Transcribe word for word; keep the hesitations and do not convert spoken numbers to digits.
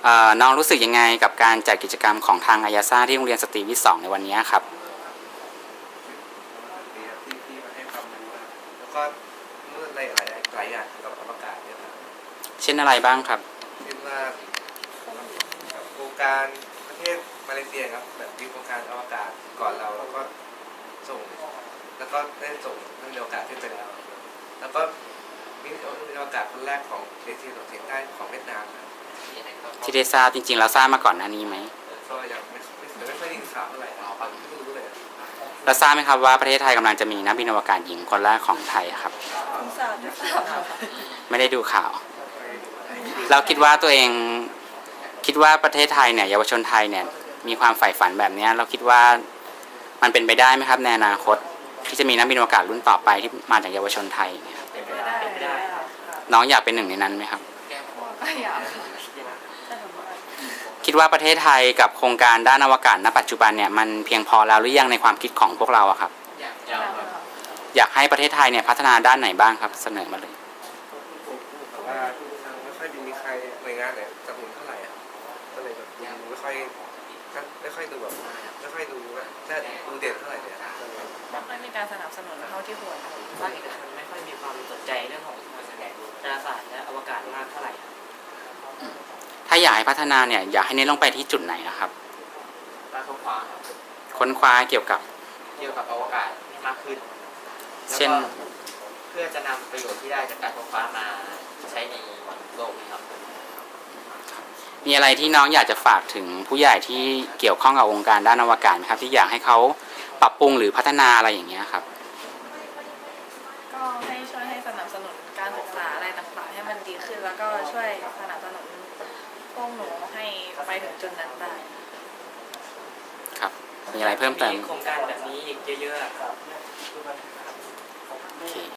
เอ่อน้องรู้สึกยังไงกับการจัดกิจกรรมของทางอายาซ่าที่โรงเรียนสตรีวิทย์สองในวันนี้ครับดีครับที่ที่มาให้ความรู้ครับแล้วก็เมื่อหลายหลายหลายอย่างเกี่ยวกับอวกาศเนี่ยครับเช่นอะไรบ้างครับเช่นว่าแบบโครงการประเทศมาเลเซียครับแบบมีโครงการอวกาศก่อนเราแล้วก็ส่งแล้วก็ได้ส่งนักบินอวกาศขึ้นไปแล้วแล้วก็มีนักบินอวกาศคนแรกของเอเชียตะวันออกเฉียงใต้ของเวียดนามครับที่ได้ทราบจริงๆเราทราบมาก่อนหน้านี้ไหมก็ยังไม่ไม่ไม่ค่อยได้ยินข่าวเท่าไหร่นะไม่รู้เลยเราทราบไหมครับว่าประเทศไทยกำลังจะมีนักบินอวกาศหญิงคนแรกของไทยครับคุณสาวจะทราบค่ะไม่ได้ดูข่าว เราคิดว่าตัวเองคิดว่าประเทศไทยเนี่ยเยาวชนไทยเนี่ยมีความใฝ่ฝันแบบนี้เราคิดว่ามันเป็นไปได้ไหมครับในอนาคตที่จะมีนักบินอวกาศรุ่นต่อไปที่มาจากเยาวชนไทยเนี่ยเป็นไปได้เป็นไปได้ค่ะน้องอยากเป็นหนึ่งในนั้นไหมครับก็อยากค่ะแต่ผมว่าคิดว่าประเทศไทยกับโครงการด้านอวกาศณปัจจุบันเนี่ยมันเพียงพอแล้วหรือยังในความคิดของพวกเราอะครับอยากค่ะอยากให้ประเทศไทยเนี่ยพัฒนาด้านไหนบ้างครับเสนอมาเลยแต่ว่ายังไม่ค่อยมีใครหน่วยงานไหนสนับสนุนเท่าไหร่อ่ะก็เลยแบบยังไม่ค่อยไม่ค่อยดูแบบไม่ค่อยดูว่าถ้าดูเด่นเท่าไหร่เนี่ยก็เลยไม่มีการสนับสนุนเท่าที่ควรภาคเอกชนไม่ค่อยมีความสนใจเรื่องของดาราศาสตร์และอวกาศมากเท่าไหร่ครับถ้าอยากให้พัฒนาเนี่ยอยากให้เน้นลงไปที่จุดไหนนะครับการค้นคว้าครับค้นคว้าเกี่ยวกับเกี่ยวกับอวกาศให้มากขึ้นแล้วเช่นก็เพื่อจะนำประโยชน์ที่ได้จากการค้นคว้ามาใช้ในโลกนี้ครับมีอะไรที่น้องอยากจะฝากถึงผู้ใหญ่ที่เกี่ยวข้องกับองค์การด้านอวกาศไหมครับที่อยากให้เขาปรับปรุงหรือพัฒนาอะไรอย่างเงี้ยครับก็ให้ช่วยให้สนับสนุนการศึกษาอะไรต่างๆให้มันดีขึ้นแล้วก็ช่วยสนับสนุนพวกหนูให้ไปถึงจุดนั้นได้ครับ มีอะไรเพิ่มเติมโครงการแบบนี้อีกเยอะๆครับโอเค